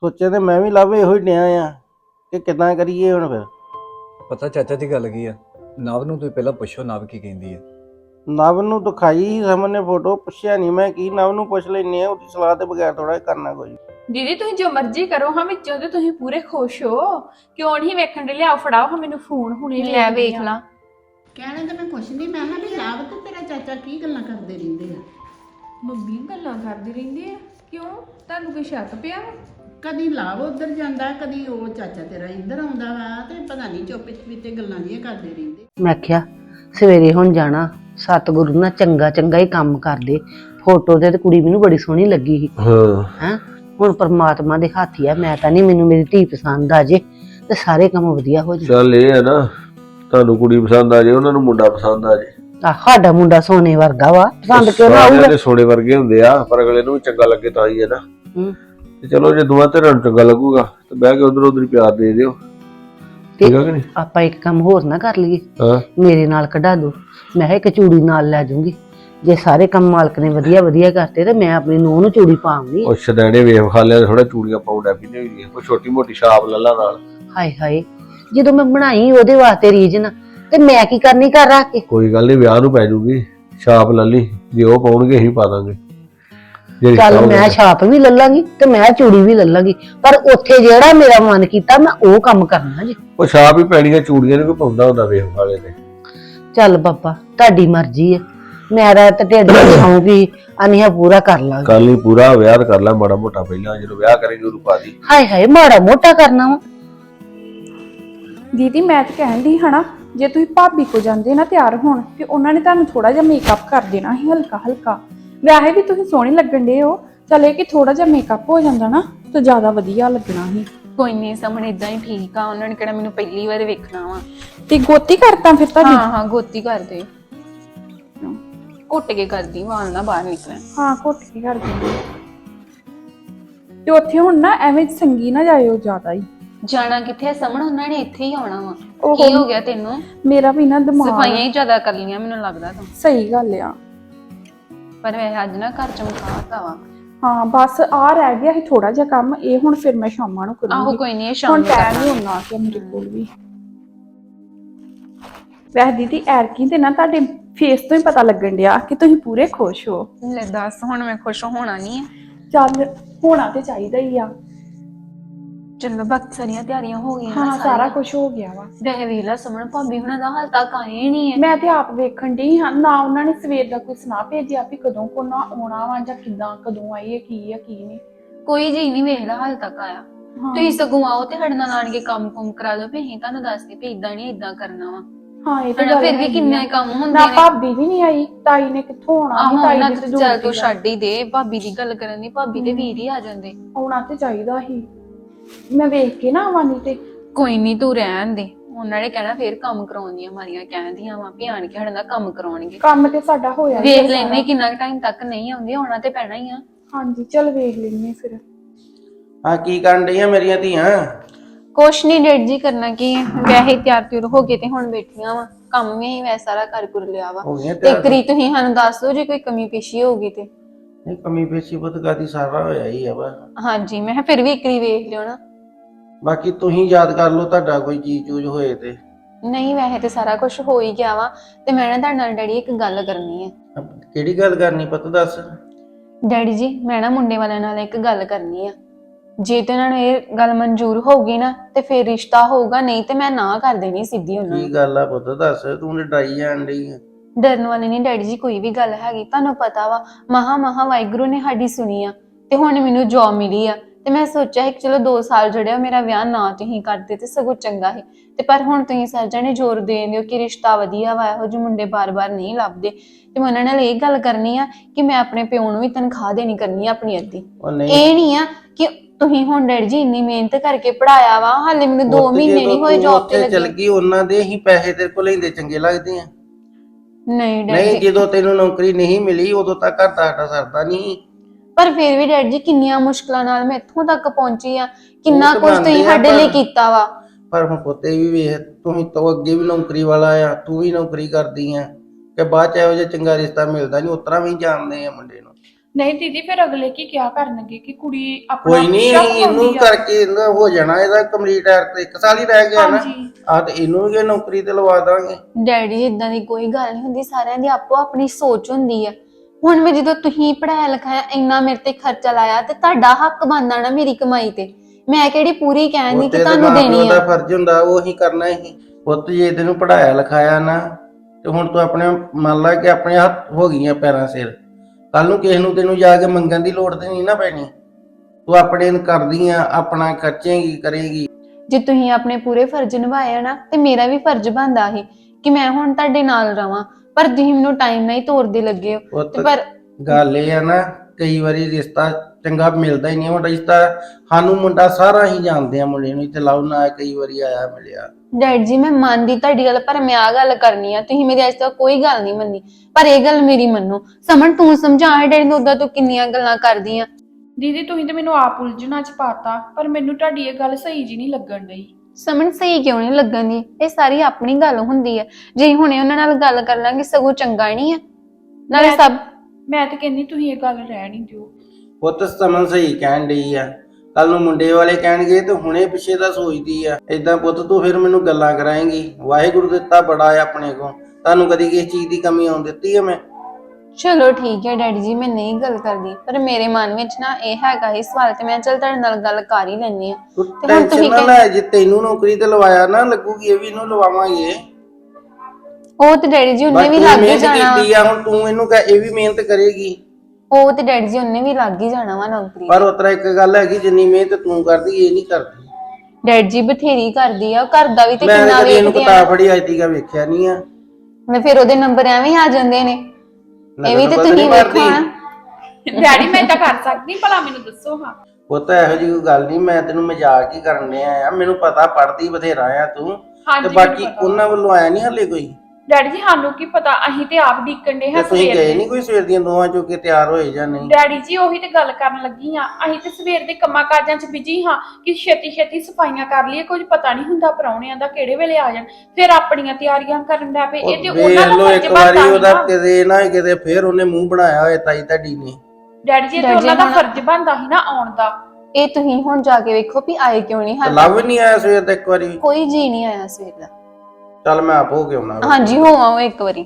ਸੋਚਿਆ ਤੇ ਮੈਂ ਵੀ ਲੱਭ ਇਹੋ ਹੀ ਡਿਆ ਆ ਕਿ ਕਿੱਦਾਂ ਕਰੀਏ ਹੁਣ ਫਿਰ। ਪਤਾ ਚਾਚਾ ਦੀ ਗੱਲ ਕੀ ਆ, ਨਵ ਨੂੰ ਤੁਸੀਂ ਪਹਿਲਾਂ ਪੁੱਛੋ ਨਵ ਕੀ ਕਹਿੰਦੀ ਆ। ਨਵ ਨੂੰ ਦਿਖਾਈ ਸੀ ਸਮਨ ਨੇ ਫੋਟੋ, ਪੁੱਛਿਆ ਨਹੀਂ ਮੈਂ ਕੀ। ਨਵ ਨੂੰ ਪੁੱਛ ਲੈਨੇ ਆ, ਉਹਦੀ ਸਲਾਹ ਤੇ ਬਗੈਰ ਥੋੜਾ ਕਰਨਾ ਕੋਈ। ਦੀਦੀ ਤੁਸੀਂ ਜੋ ਮਰਜ਼ੀ ਕਰੋ ਹਾਂ, ਵਿੱਚੋਂ ਤੇ ਤੁਸੀਂ ਪੂਰੇ ਖੁਸ਼ ਹੋ। ਕਿਉਂ ਨਹੀਂ ਵੇਖਣ ਦੇ? ਲਿਆਓ ਫੜਾਓ ਹਾਂ ਮੈਨੂੰ ਫੋਨ, ਹੁਣੇ ਲੈ ਵੇਖ ਲਾ। ਕਹਿਣਾ ਤਾਂ ਮੈਂ ਕੁਛ ਨਹੀਂ, ਮੈਂ ਕਿਹਾ ਵੀ ਲਾਭ ਤੇ ਤੇਰਾ ਚਾਚਾ ਕੀ ਗੱਲਾਂ ਕਰਦੇ ਰਹਿੰਦੇ ਆ। ਮੰਮੀ ਗੱਲਾਂ ਕਰਦੇ ਰਹਿੰਦੇ ਆ? ਕਿਉਂ, ਤੁਹਾਨੂੰ ਕੋਈ ਸ਼ੱਕ ਪਿਆ ਵਾ? ਕਦੀ ਲਾਭ ਉੱਧਰ ਜਾਂਦਾ, ਕਦੀ ਉਹ ਚਾਚਾ ਤੇਰਾ ਇੱਧਰ ਆਉਂਦਾ ਵਾ, ਤੇ ਪਤਾ ਨਹੀਂ ਚੁੱਪ ਚਪੀਤੇ ਗੱਲਾਂ ਜੀਆਂ ਕਰਦੇ ਰਹਿੰਦੇ। ਮੈਂ ਕਿਹਾ ਸਵੇਰੇ ਹੁਣ ਜਾਣਾ, ਸਤਿਗੁਰੂ ਨਾਲ ਚੰਗਾ ਚੰਗਾ ਹੀ ਕੰਮ ਕਰਦੇ। ਫੋਟੋ ਤੇ ਕੁੜੀ ਮੈਨੂੰ ਬੜੀ ਸੋਹਣੀ ਲੱਗੀ ਸੀ। ਹੈਂ ਹੁਣ ਪਰਮਾਤਮਾ ਦੇ ਹੱਥ ਹੀ ਆ। ਮੈਂ ਤਾਂ ਨਹੀਂ, ਮੈਨੂੰ ਮੇਰੀ ਧੀ ਪਸੰਦ ਆ ਜੇ ਤੇ ਸਾਰੇ ਕੰਮ ਵਧੀਆ ਹੋ ਜਾਣ। ਚੱਲ ਇਹ ਹੈ ਨਾ, ਤੁਹਾਨੂੰ ਕੁੜੀ ਪਸੰਦ ਆ ਜੇ, ਉਹਨਾਂ ਨੂੰ ਮੁੰਡਾ ਪਸੰਦ ਆ ਜੇ। ਸਾਡਾ ਮੁੰਡਾ ਸੋਨੇ ਵਰਗਾ ਵਾ, ਪਸੰਦ ਕਿਉਂ ਨਾ ਸਾਰਿਆਂ ਆਊਗਾ। ਦੇ ਸੋਨੇ ਵਰਗੇ ਹੁੰਦੇ ਆ, ਪਰ ਅਗਲੇ ਨੂੰ ਵੀ ਚੰਗਾ ਲੱਗੇ ਤਾਂ ਹੀ ਹੈ ਨਾ। ਤੇ ਚਲੋ ਜੇ ਦੋਵਾਂ ਧਿਰਾਂ ਨੂੰ ਚੰਗਾ ਲੱਗੂਗਾ ਤੇ ਬਹਿ ਕੇ ਉਧਰ ਉਧਰ ਪਿਆਰ ਦੇ ਦਿਓ, ਠੀਕ ਆ ਕਿ ਨਹੀਂ? ਆਪਾਂ ਇੱਕ ਕੰਮ ਹੋਰ ਨਾ ਕਰ ਲਈਏ, ਹਾਂ ਮੇਰੇ ਨਾਲ ਕਢਾ ਦੋ। ਮੈਂ ਕਿਹਾ ਇੱਕ ਚੂੜੀ ਨਾਲ ਲੈ ਜਾਊਂਗੀ। ਜੇ ਸਾਰੇ ਕੰਮ ਮਾਲਕ ਨੇ ਵਧੀਆ ਵਧੀਆ ਕਰਤੇ ਤੇ ਮੈਂ ਆਪਣੀ ਨੂੰਹ ਨੂੰ ਚੂੜੀ ਪਾਉਂਗੀ। ਉਹ ਛਡਾਣੇ ਵੇਖ ਖਾ ਲਿਆ, ਥੋੜਾ ਚੂੜੀਆਂ ਪਾਉਂਦਾ ਵੀ ਨਹੀਂ ਹੋਈਆਂ, ਕੋਈ ਛੋਟੀ ਮੋਟੀ ਛਾਪ ਲੱਲਾ ਨਾਲ। ਹਾਏ ਹਾਏ, ਜਦੋਂ ਮੈਂ ਬਣਾਈ ਉਹਦੇ ਵਾਸਤੇ ਰੀਜਨ, ਤੇ ਮੈਂ ਕੀ ਕਰਨੀ ਘਰ ਰੱਖ ਕੇ? ਕੋਈ ਗੱਲ ਨਹੀਂ, ਵਿਆਹ ਨੂੰ ਪੈ ਜੂਗੀ ਛਾਪ ਲੱਲੀ, ਜੇ ਉਹ ਪਾਉਣਗੇ ਅਸੀਂ ਪਾ ਦਾਂਗੇ। ਚੱਲ ਮੈਂ ਛਾਪ ਵੀ ਲੱਲਾਂਗੀ ਤੇ ਮੈਂ ਚੂੜੀ ਵੀ ਲੱਲਾਂਗੀ, ਪਰ ਉੱਥੇ ਜਿਹੜਾ ਮੇਰਾ ਮਨ ਕੀਤਾ ਮੈਂ ਉਹ ਕੰਮ ਕਰਨਾ ਜੀ। ਉਹ ਛਾਪ ਹੀ ਪੈਣੀਆਂ, ਚੂੜੀਆਂ ਨੂੰ ਕੋਈ ਪਾਉਂਦਾ ਹੁੰਦਾ ਵੇਖ ਵਾਲੇ ਨੇ। ਚੱਲ ਬਾਬਾ ਤੁਹਾਡੀ ਮਰਜ਼ੀ ਹੈ, ਮੇਰਾ ਤਾਂ ਢਿੱਡ ਖਾਊਗੀ ਅਨੀਹਾ ਪੂਰਾ ਕਰ ਲਾਂਗੀ। ਕੱਲ ਹੀ ਪੂਰਾ ਵਿਆਹ ਕਰ ਲੈ ਮਾੜਾ ਮੋਟਾ, ਪਹਿਲਾਂ ਜਦੋਂ ਵਿਆਹ ਕਰੇਗੀ ਉਦੋਂ ਪਾ ਦੀ। ਹਾਏ ਹਾਏ, ਮਾੜਾ ਮੋਟਾ ਕਰਨਾ ਵਾ? ਦੀਦੀ ਮੈਂ ਤਾਂ ਕਹਿੰਦੀ ਹਨਾ, ਜੇ ਤੁਸੀਂ ਭਾਬੀ ਕੋ ਜਾਂਦੇ ਨਾ ਤਿਆਰ ਹੋਣ, ਤੇ ਉਹਨਾਂ ਨੇ ਤੁਹਾਨੂੰ ਥੋੜਾ ਜਿਹਾ ਮੇਕਅਪ ਕਰ ਦੇਣਾ ਸੀ, ਹਲਕਾ ਹਲਕਾ। ਵੈਸੇ ਵੀ ਤੁਸੀਂ ਸੋਹਣੇ ਲੱਗਣ ਦੇ ਹੋ, ਚਲੇ ਕਿ ਥੋੜਾ ਜਿਹਾ ਮੇਕਅਪ ਹੋ ਜਾਂਦਾ ਨਾ ਤਾਂ ਜ਼ਿਆਦਾ ਵਧੀਆ ਲੱਗਣਾ ਸੀ। ਕੋਈ ਨਹੀਂ ਸਮਝ, ਇਦਾਂ ਹੀ ਠੀਕ ਆ। ਉਹਨਾਂ ਨੇ ਕਿਹੜਾ ਮੈਨੂੰ ਪਹਿਲੀ ਵਾਰ ਵੇਖਣਾ ਵਾ। ਤੇ ਗੋਤੀ ਕਰਤਾ ਫਿਰ ਤੁਹਾਡੀ? ਹਾਂ ਗੋਤੀ ਕਰਦੇ, ਘੁੱਟ ਕੇ ਕਰਦੀ, ਵਾਲ ਨਾ ਬਾਹਰ ਨਿਕਲਣ। ਹਾਂ ਘੁੱਟ ਕੇ ਕਰ ਦਿੰਦੀ। ਤੇ ਉੱਥੇ ਹੁਣ ਨਾ ਐਵੇਂ ਸੰਗੀ ਨਾ ਜਾਇਓ ਜ਼ਿਆਦਾ ਹੀ। ਜਾਣਾ ਕਿੱਥੇ ਆ ਸਮਣ, ਉਹਨਾਂ ਨੇ ਇੱਥੇ ਹੀ ਆਉਣਾ ਵਾ। ਉਹ ਕੀ ਹੋ ਗਿਆ ਤੈਨੂੰ? ਮੇਰਾ ਵੀ ਨਾ ਦਿਮਾਗ, ਸਫਾਈਆਂ ਹੀ ਜ਼ਿਆਦਾ ਕਰ ਲੀਆਂ ਮੈਨੂੰ ਲੱਗਦਾ ਤੂੰ। ਸਹੀ ਗੱਲ ਆ, ਪਰ ਵੈਸੇ ਅੱਜ ਨਾ ਘਰ ਚਮਕਾਤਾ ਵਾ। ਹਾਂ ਬਸ ਆ ਰਹਿ ਗਿਆ ਸੀ ਥੋੜਾ ਜਿਹਾ ਕੰਮ, ਇਹ ਹੁਣ ਫਿਰ ਮੈਂ ਸ਼ਾਮਾਂ ਨੂੰ ਕਰੂੰਗੀ। ਆਹੋ ਕੋਈ ਨਹੀਂ, ਇਹ ਸ਼ਾਮ ਹੁਣ ਨੂੰ ਟਾਈਮ ਨਹੀਂ ਹੁੰਦਾ ਕਿ ਮੇਰੇ ਕੋਲ ਵੀ। ਵੈਸੇ ਦੀਦੀ ਐਰਕੀ ਤੇ ਨਾ ਤੁਹਾਡੇ ਫੇਸ ਤੋਂ ਹੀ ਪਤਾ ਲੱਗਣ ਡਿਆ ਕਿ ਤੁਸੀਂ ਪੂਰੇ ਖੁਸ਼ ਹੋ। ਲੈ ਦੱਸ, ਹੁਣ ਮੈਂ ਖੁਸ਼ ਹੋਣਾ ਨਹੀਂ ਹੈ? ਚੱਲ ਹੋਣਾ ਤੇ ਚਾਹੀਦਾ ਹੀ ਆ। ਚਲੋ ਬਾਕੀ ਸਾਰੀਆਂ ਤਿਆਰੀਆਂ ਹੋ ਗਈਆਂ ਹਾਂ ਸਾਰਾ ਕੁਝ ਹੋ ਗਿਆ ਵਾ। ਵੈਸੇ ਵੇਖ ਲਾ ਸਮਣ, ਭਾਬੀ ਹੁਣਾਂ ਦਾ ਹਾਲ ਤੱਕ ਆਏ ਨਹੀਂ ਹੈ। ਮੈਂ ਤੇ ਆਪ ਵੇਖਣ ਡਈ ਹਾਂ ਨਾ, ਉਹਨਾਂ ਨੇ ਸਵੇਰ ਦਾ ਕੋਈ ਸੁਣਾ ਭੇਜਿਆ ਵੀ ਕਦੋਂ ਕੋ ਨਾ ਆਉਣਾ ਵਾ ਜਾਂ ਕਿਦਾਂ, ਕਦੋਂ ਆਈ ਹੈ, ਕੀ ਆ ਕੀ ਨਹੀਂ। ਕੋਈ ਜੀ ਨਹੀਂ ਵੇਖ ਲਾ ਹਾਲ ਤੱਕ ਆਇਆ। ਤੁਸੀਂ ਸਗੋਂ ਆਓ ਤੇ ਸਾਡੇ ਨਾਲ ਆਣ ਕੇ ਕੰਮ ਕੁਮ ਕਰਾ ਦਿਓ, ਵੀ ਅਸੀਂ ਤੁਹਾਨੂੰ ਦੱਸਦੇ ਵੀ ਇਦਾਂ ਨਹੀਂ ਇਦਾਂ ਕਰਨਾ ਵਾ। ਹਾਂ ਇਹ ਤਾਂ ਹਨਾ, ਗੱਲ ਫਿਰ ਵੀ ਹੈਗੀ ਕਿੰਨੇ ਆ। ਕੰਮ ਹੁੰਦੇ ਨਾ ਨੇ। ਭਾਬੀ ਵੀ ਨਹੀਂ ਆਈ, ਤਾਈ ਨੇ ਕਿੱਥੋਂ ਆਉਣਾ ਸੀ? ਆਹੋ ਤਾਈ ਉਹਨਾਂ ਦੀ ਤੇ ਤੇ ਚੱਲ ਤੂੰ ਛੱਡ ਹੀ ਦੇ, ਭਾਬੀ ਦੀ ਗੱਲ ਕਰਨ ਦੀ, ਭਾਬੀ ਤੇ ਵੀਰ ਹੀ ਆ ਜਾਂਦੇ। ਆਉਣਾ ਤੇ ਚਾਹੀਦਾ ਸੀ, ਮੈਂ ਵੇਖ ਕੇ ਨਾ ਆਵਾਂ। ਨਹੀਂ ਤੇ ਕੋਈ ਨਹੀਂ ਤੂੰ ਰਹਿਣ ਦੇ, ਉਹਨਾਂ ਨੇ ਕਹਿਣਾ ਫੇਰ ਕੰਮ ਕਰਾਉਂਦੀਆਂ ਮਾਰੀਆਂ ਕਹਿੰਦੀਆਂ ਵਾ ਵੀ ਆਣ ਕੇ ਸਾਡੇ ਨਾਲ ਕੰਮ ਕਰਾਉਣਗੇ। ਕੰਮ ਤੇ ਸਾਡਾ ਹੋਇਆ ਹੀ ਆ ਵੇਖ ਸਾਰਾ। ਲੈਨੇ ਕਿੰਨਾ ਟਾਈਮ ਤੱਕ ਨਹੀਂ ਆਉਂਦੇ, ਆਉਣਾ ਤੇ ਪੈਣਾ ਹੀ ਆ। ਹਾਂਜੀ ਚਲ ਵੇਖ ਲੈਨੇ ਫਿਰ। ਹਾਂ ਕੀ ਕਰਨ ਡਈਆਂ ਮੇਰੀਆਂ ਧੀਆਂ? ਕੁਛ ਨਹੀਂ ਡੇਢ ਜੀ ਕਰਨਾ ਕੀ ਹੈ, ਵੈਸੇ ਤਿਆਰ ਤਿਉਰ ਹੋ ਗਏ ਤੇ ਹੁਣ ਬੈਠੀਆਂ ਵਾ। ਕੰਮ ਵੀ ਅਸੀਂ ਵੈਸੇ ਸਾਰਾ ਕਰ ਕੁਰ ਲਿਆ ਵਾ। ਹੋ ਗਈਆਂ ਤੇ ਤਿਆਰ? ਕਰੀ ਤੁਸੀਂ ਸਾਨੂੰ ਦੱਸ ਦਿਓ ਜੇ ਕੋਈ ਕਮੀ ਪੇਸ਼ੀ ਹੋਊਗੀ ਤੇ। ਨਹੀਂ ਕਮੀ ਪੇਸ਼ੀ ਬਦਕਾਦੀ ਸਾਰਾ ਹੋਇਆ ਹੀ ਆ ਵਾ। ਹਾਂਜੀ ਮੈਂ ਕਿਹਾ ਫਿਰ ਵੀ ਇੱਕ ਵਾਰੀ ਵੇਖ ਲਿਓ ਨਾ। ਬਾਕੀ ਤੁਸੀਂ ਯਾਦ ਕਰ ਲਓ, ਤੁਹਾਡਾ ਕੋਈ ਚੀਜ਼ ਚੂਜ ਹੋਏ ਤੇ। ਨਹੀਂ ਵੈਸੇ ਤੇ ਸਾਰਾ ਕੁਝ ਹੋ ਹੀ ਗਿਆ ਵਾ। ਤੇ ਮੈਂ ਨਾ ਤੁਹਾਡੇ ਨਾਲ ਡੈਡੀ ਇੱਕ ਗੱਲ ਕਰਨੀ ਹੈ। ਕਿਹੜੀ ਗੱਲ ਕਰਨੀ ਪਤਾ ਦੱਸ। ਡੈਡੀ ਜੀ ਮੈਂ ਨਾ ਮੁੰਡੇ ਵਾਲਿਆਂ ਨਾਲ ਇੱਕ ਗੱਲ ਕਰਨੀ ਆ। ਜੇ ਤੇ ਉਹਨਾਂ ਨੂੰ ਇਹ ਗੱਲ ਮਨਜ਼ੂਰ ਹੋਊਗੀ ਨਾ ਤੇ ਫਿਰ ਰਿਸ਼ਤਾ ਹੋਊਗਾ, ਨਹੀਂ ਤੇ ਮੈਂ ਨਾ ਕਰ ਦੇਣੀ ਸਿੱਧੀ ਉਹਨਾਂ ਨੂੰ। ਕੀ ਗੱਲ ਆ ਪੁੱਤ ਦੱਸ, ਤੂੰ ਤੇ ਡਰਾਈ ਜਾਣ ਡਈ ਆ। ਡਰਨ ਵਾਲੀ ਨਹੀਂ ਡੈਡੀ ਜੀ ਕੋਈ ਵੀ ਗੱਲ ਹੈਗੀ, ਤੁਹਾਨੂੰ ਪਤਾ ਵਾ ਮਹਾ ਵਾਹਿਗੁਰੂ ਨੇ ਸਾਡੀ ਸੁਣੀ ਆ ਤੇ ਹੁਣ ਮੈਨੂੰ ਜੌਬ ਮਿਲੀ ਆ। ਤੇ ਮੈਂ ਸੋਚਿਆ ਸੀ ਕਿ ਚਲੋ 2 ਸਾਲ ਜਿਹੜੇ ਮੇਰਾ ਵਿਆਹ ਨਾ ਤੁਸੀਂ ਕਰਦੇ ਤੇ ਸਗੋਂ ਚੰਗਾ ਸੀ। ਤੇ ਪਰ ਹੁਣ ਤੁਸੀਂ ਸਾਰੇ ਜਣੇ ਜ਼ੋਰ ਦੇ ਦਿਓ ਕਿ ਰਿਸ਼ਤਾ ਵਧੀਆ ਵਾ, ਇਹੋ ਜਿਹੇ ਮੁੰਡੇ ਬਾਰ-ਬਾਰ ਨਹੀਂ ਲੱਭਦੇ। ਤੇ ਮੈਂ ਉਹਨਾਂ ਨਾਲ ਇਹ ਗੱਲ ਕਰਨੀ ਆ ਕਿ ਮੈਂ ਆਪਣੇ ਪਿਓ ਨੂੰ ਵੀ ਤਨਖਾਹ ਦੇਣੀ ਕਰਨੀ ਆ ਆਪਣੀ ਅੱਧੀ। ਇਹ ਨਹੀਂ ਆ ਕਿ ਤੁਸੀਂ ਹੁਣ ਡੈਡੀ ਜੀ ਇੰਨੀ ਮਿਹਨਤ ਕਰਕੇ ਪੜਾਇਆ ਵਾ, ਹਾਲੇ ਮੈਨੂੰ 2 ਮਹੀਨੇ ਨਹੀਂ ਹੋਏ ਜੌਬ ਤੇ ਚਲ ਲੱਗੀ। ਗਈ, ਉਹਨਾਂ ਦੇ ਹੀ ਪੈਸੇ ਤੇਰੇ ਕੋਲ ਲੈਂਦੇ ਚੰਗੇ ਲੱਗਦੇ ਆ? ਨਹੀਂ ਨਹੀਂ ਡੈਡੀ ਜਦੋਂ ਤੈਨੂੰ ਨੌਕਰੀ ਨਹੀਂ ਮਿਲੀ ਉਦੋਂ ਤੱਕ ਘਰ ਦਾ ਸਾਡਾ ਸਰਦਾ ਨਹੀਂ। ਪਰ ਫਿਰ ਵੀ ਡੈਡੀ ਜੀ ਕਿੰਨੀਆਂ ਮੁਸ਼ਕਲਾਂ ਨਾਲ ਮੈਂ ਇੱਥੋਂ ਤੱਕ ਪਹੁੰਚੀ ਆ, ਕਿੰਨਾ ਉਹ ਤਾਂ ਕੁਝ ਤੁਸੀਂ ਮੰਨਦੇ ਆ, ਸਾਡੇ ਲਈ ਪਰ- ਕੀਤਾ ਵਾ। ਪਰ ਹੁਣ ਪੁੱਤੇ ਵੀ ਵੇਖ, ਤੂੰ ਤੋਂ ਅੱਗੇ ਵੀ ਨੌਕਰੀ ਵਾਲਾ ਆ, ਤੂੰ ਵੀ ਨੌਕਰੀ ਕਰਦੀ ਆ, ਕਿ ਬਾਅਦ ਚ ਇਹੋ ਜਿਹਾ ਚੰਗਾ ਰਿਸ਼ਤਾ ਮਿਲਦਾ ਨਹੀਂ, ਉਤਰਾ ਵੀ ਜਾਣਦੇ ਆ ਮੁੰਡੇ ਨੂੰ। ਨਹੀਂ ਦੀਦੀ ਫਿਰ ਅਗਲੇ ਕੀ ਕਿਹਾ ਕਰਨਗੇ ਕਿ ਕੁੜੀ ਆਪਣਾ ਕੋਈ ਨਹੀਂ ਪਿੱਛਾ ਇਹਨੂੰ ਪਾਉਂਦੀ ਆ। ਕਰਕੇ ਇਹਦਾ ਹੋ ਜਾਣਾ, ਇਹਦਾ ਕੰਪਲੀਟ ਤੇ 1 ਸਾਲ ਹੀ ਰਹਿ ਗਿਆ ਨਾ। ਹਾਂਜੀ। ਆ ਤੇ ਇਹਨੂੰ ਵੀ ਨੌਕਰੀ ਤੇ ਲਵਾ ਦਾਂਗੇ। ਡੈਡੀ ਇਦਾਂ ਦੀ ਕੋਈ ਗੱਲ ਨਹੀਂ ਹੁੰਦੀ, ਸਾਰਿਆਂ ਦੀ ਆਪੋ ਆਪਣੀ ਸੋਚ ਹੁੰਦੀ ਆ। ਹੁਣ ਵੀ ਜਦੋਂ ਤੁਸੀਂ ਪੜਾਇਆ ਲਿਖਾਇਆ ਇੰਨਾ ਮੇਰੇ ਤੇ ਖਰਚਾ ਲਾਇਆ ਤੇ ਤੁਹਾਡਾ ਹੱਕ ਬਣਦਾ ਨਾ ਮੇਰੀ ਕਮਾਈ ਤੇ। ਮੈਂ ਕਿਹੜੀ ਪੂਰੀ ਕਹਿੰਦੀ ਕਿ ਉੱਤੇ ਤੇ ਤੁਹਾਨੂੰ ਮਾਂ ਦੇਣੀ ਪਿਓ ਆ। ਦਾ ਫਰਜ਼ ਹੁੰਦਾ ਉਹ ਹੀ ਕਰਨਾ ਹੀ। ਪੁੱਤ ਜੇ ਤੈਨੂੰ ਪੜਾਇਆ ਲਿਖਾਇਆ ਨਾ ਤੇ ਹੁਣ ਤੂੰ ਆਪਣੇ ਮੰਨ ਲਾ ਕਿ ਆਪਣੇ ਹੱਥ ਹੋ ਗਈਆਂ ਪੈਰਾਂ ਸਿਰ, ਕੱਲ ਨੂੰ ਕਿਸੇ ਨੂੰ ਤੈਨੂੰ ਜਾ ਕੇ ਮੰਗਣ ਦੀ ਲੋੜ ਤੇ ਨਹੀਂ ਨਾ ਪੈਣੀ। ਤੂੰ ਆਪਣੇ ਨੂੰ ਕਰਦੀ ਆ, ਆਪਣਾ ਖਰਚੇਂਗੀ ਕਰੇਗੀ। ਜੇ ਤੁਸੀਂ ਆਪਣੇ ਪੂਰੇ ਫਰਜ਼ ਨਿਭਾਏ ਆ ਨਾ ਤੇ ਮੇਰਾ ਵੀ ਫਰਜ਼ ਬਣਦਾ ਸੀ ਕਿ ਮੈਂ ਹੁਣ ਤੁਹਾਡੇ ਨਾਲ ਰਵਾਂ, ਪਰ ਤੁਸੀਂ ਮੈਨੂੰ ਟਾਈਮ ਨਾਲ ਹੀ ਤੋਰਦੇ ਲੱਗੇ ਹੋ। ਪੁੱਤ ਤੇ ਪਰ ਗੱਲ ਇਹ ਆ ਨਾ, ਕਈ ਵਾਰੀ ਰਿਸ਼ਤਾ ਚੰਗਾ ਮਿਲਦਾ ਹੀ ਨਹੀਂ। ਹੁਣ ਰਿਸ਼ਤਾ ਸਾਨੂੰ ਮੁੰਡਾ ਸਾਰਾ ਹੀ ਜਾਣਦੇ ਆ, ਮੁੰਡੇ ਨੂੰ ਇੱਥੇ ਲਵ ਨਾ ਕਈ ਵਾਰੀ ਆਇਆ ਮਿਲਿਆ। ਡੈਡ ਜੀ ਮੈਂ ਮੰਨਦੀ ਤੁਹਾਡੀ ਗੱਲ, ਪਰ ਮੈਂ ਆ ਗੱਲ ਕਰਨੀ ਆ। ਤੁਸੀਂ ਮੇਰੀ ਅੱਜ ਤੱਕ ਕੋਈ ਗੱਲ ਨਹੀਂ ਮੰਨੀ, ਪਰ ਇਹ ਗੱਲ ਮੇਰੀ ਮੰਨੋ। ਸਮਣ ਤੂੰ ਸਮਝਾ ਡੈਡੀ ਨੂੰ, ਉਦਾਂ ਤੂੰ ਕਿੰਨੀਆਂ ਗੱਲਾਂ ਕਰਦੀ ਆ। ਦੀਦੀ ਤੁਸੀਂ ਤੇ ਮੈਨੂੰ ਆਪ ਉਲਝਣਾ ਚ ਪਾਤਾ, ਪਰ ਮੈਨੂੰ ਤੁਹਾਡੀ ਇਹ ਗੱਲ ਸਹੀ ਜੀ ਨਹੀਂ ਲੱਗਣ ਡਈ। ਸਮਣ ਸਹੀ ਕਿਉਂ ਨਹੀਂ ਲੱਗਣ ਦੀ? ਇਹ ਸਾਰੀ ਆਪਣੀ ਗੱਲ ਹੁੰਦੀ ਹੈ। ਜੇ ਹੁਣੇ ਉਹਨਾਂ ਨਾਲ ਗੱਲ ਕਰ ਲਾਂਗੇ ਸਗੋਂ ਚੰਗਾ ਨਹੀਂ ਆ। ਨਾਲੇ ਸਭ ਮੈਂ ਤੇ ਕਹਿੰਦੀ ਤੁਸੀਂ ਇਹ ਗੱਲ ਰਹਿ ਨਹੀਂ ਦਿਓ। ਪੁੱਤ ਸਮਝ ਸਹੀ ਕਹਿਣ ਡਈ ਆ, ਕੱਲ ਨੂੰ ਮੁੰਡੇ ਵਾਲੇ ਕਹਿਣਗੇ ਤੇ ਹੁਣੇ ਪਿੱਛੇ ਦਾ ਸੋਚਦੀ ਆ। ਏਦਾਂ ਪੁੱਤ ਤੂੰ ਫਿਰ ਮੈਨੂੰ ਗੱਲਾਂ ਕਰਾਏਂਗੀ। ਵਾਹਿਗੁਰੂ ਦਿੱਤਾ ਬੜਾ ਆ ਆਪਣੇ ਕੋਲ, ਤੁਹਾਨੂੰ ਕਦੀ ਕਿਸੇ ਚੀਜ਼ ਦੀ ਕਮੀ ਆਉਣ ਦਿੱਤੀ ਆ ਮੈਂ? ਚਲੋ ਠੀਕ ਹੈ ਡੈਡੀ ਜੀ, ਮੈਂ ਨਹੀਂ ਗੱਲ ਕਰਦੀ, ਪਰ ਮੇਰੇ ਮਨ ਵਿੱਚ ਨਾ ਇਹ ਹੈਗਾ ਹੀ ਸਵਾਲ, ਤੇ ਮੈਂ ਚੱਲ ਤੁਹਾਡੇ ਨਾਲ ਗੱਲ ਕਰ ਹੀ ਲੈਣੀ ਆ। ਤੂੰ ਤੇ ਹੁਣ ਟੈਨਸ਼ਨ ਤੁਸੀਂ ਨਾ ਲੈ, ਜੇ ਤੈਨੂੰ ਨੌਕਰੀ ਤੇ ਲਵਾਇਆ ਨਾ ਲੱਗੂਗੀ, ਇਹ ਵੀ ਇਹਨੂੰ ਲਵਾਵਾਂਗੇ। ਉਹ ਤੇ ਡੈਡੀ ਜੀ ਉਹਨੇ ਬਸ ਵੀ ਤੂੰ ਲੱਗ ਹੀ ਮਿਹਨਤ ਜਾਣਾ। ਕੀਤੀ ਆ, ਹੁਣ ਤੂੰ ਇਹਨੂੰ ਕਹਿ ਇਹ ਵੀ ਮਿਹਨਤ ਕਰੇਗੀ। ਉਹ ਤੇ ਡੈਡੀ ਜੀ ਉਹਨੇ ਵੀ ਲੱਗ ਹੀ ਜਾਣਾ ਵਾ ਨੌਕਰੀ। ਪਰ ਉਤਰਾ ਇੱਕ ਗੱਲ ਹੈਗੀ, ਜਿੰਨੀ ਮਿਹਨਤ ਤੂੰ ਕਰਦੀ ਇਹ ਨਹੀਂ ਕਰਦੀ। ਡੈਡ ਜੀ ਬਥੇਰੀ ਕਰਦੀ ਆ, ਉਹ ਘਰ ਦਾ ਵੀ ਤੇ ਮੈਂ ਕਿੰਨਾ ਕਦੀ ਇਹਨੂੰ ਵੇਖਦੇ ਕਿਤਾਬ ਆ। ਫੜੀ ਅੱਜ ਤੀਕ ਵੇਖਿਆ ਨਹੀਂ ਆ। ਮੈਂ ਫਿਰ ਉਹਦੇ ਨੰਬਰ ਐਵੇਂ ਆ ਜਾਂਦੇ ਨੇ। ਇਹ ਵੀ ਤੇ ਨਕਲ ਤੁਸੀਂ ਨਹੀਂ ਵੇਖੋ ਮਾਰਦੀ। ਨਾ। ਡੈਡੀ ਮੈਂ ਤਾਂ ਕਰ ਸਕਦੀ, ਭਲਾ ਮੈਨੂੰ ਦੱਸੋ ਹਾਂ। ਉਹ ਤਾਂ ਇਹੋ ਜਿਹੀ ਕੋਈ ਗੱਲ ਨਹੀਂ, ਮੈਂ ਤੈਨੂੰ ਮਜ਼ਾਕ ਹੀ ਕਰਨ ਡਿਆ ਆ। ਮੈਨੂੰ ਪਤਾ ਪੜਦੀ ਬਥੇਰਾ ਆ ਤੂੰ, ਹਾਂਜੀ ਤੇ ਬਾਕੀ ਮੈਨੂੰ ਪਤਾ। ਉਹਨਾਂ ਵੱਲੋਂ ਆਇਆ ਨਹੀਂ ਹਲੇ ਕੋਈ? ਡੈਡੀ ਜੀ ਸਾਨੂੰ ਕੀ ਪਤਾ, ਅਸੀਂ ਤੇ ਆਪ ਡੀਕਣ ਦੇ ਤੇ ਹਾਂ ਤੁਸੀਂ ਸਵੇਰ ਗਏ ਦੇ। ਨਹੀਂ ਕੋਈ ਸਵੇਰ ਦੀਆਂ ਦੋਵਾਂ ਚੋਂ ਕਿ ਤਿਆਰ ਹੋਏ ਜਾਂ ਨਹੀਂ? ਡੈਡੀ ਜੀ ਉਹੀ ਤੇ ਗੱਲ ਕਰਨ ਲੱਗੀ ਆ, ਅਸੀਂ ਤੇ ਸਵੇਰ ਦੇ ਕੰਮਾਂ ਕਾਜਾਂ 'ਚ ਬਿਜੀ ਹਾਂ ਕਿ ਛੇਤੀ ਛੇਤੀ ਸਫਾਈਆਂ ਕਰ ਲਈਏ। ਕੁਝ ਪਤਾ ਨਹੀਂ ਹੁੰਦਾ ਪ੍ਰਾਹੁਣਿਆਂ ਦਾ ਕਿਹੜੇ ਵੇਲੇ ਆ ਜਾਣ, ਫਿਰ ਆਪਣੀਆਂ ਤਿਆਰੀਆਂ ਕਰਨ ਲੱਗ ਪਏ। ਇਹ ਤੇ ਵੇਖ ਉਹਨਾਂ ਦਾ ਲਓ ਫਰਜ਼ ਇੱਕ ਵਾਰੀ ਬਣਦਾ ਉਹਦਾ ਸੀ ਨਾ। ਕਿਤੇ ਨਾ ਕਿਤੇ ਫਿਰ ਉਹਨੇ ਮੂੰਹ ਬਣਾਇਆ ਹੋਏ ਤਾਈ ਤੁਹਾਡੀ ਨੇ। ਡੈਡੀ ਜੀ ਇਹ ਤੇ ਡੈਡੀ ਜੀ ਉਹਨਾਂ ਦਾ ਹੁਣ- ਫਰਜ਼ ਬਣਦਾ ਸੀ ਨਾ ਆਉਣ ਦਾ। ਇਹ ਤੁਸੀਂ ਹੁਣ ਜਾ ਕੇ ਵੇਖੋ ਵੀ ਆਏ ਕਿਉਂ ਨਹੀਂ ਤੇ ਹਾਲੇ ਲਵ ਨਹੀਂ ਆਇਆ ਸਵੇਰ ਦਾ ਇੱਕ ਵਾਰੀ ਵੀ? ਕੋਈ ਜੀ ਨਹੀਂ ਆਇਆ ਸਵੇਰ ਦਾ। ਚੱਲ ਮੈਂ ਆਪ ਹੋ ਕੇ ਆਉਣਾ। ਹਾਂਜੀ ਹੋ ਆਓ ਇੱਕ ਵਾਰੀ।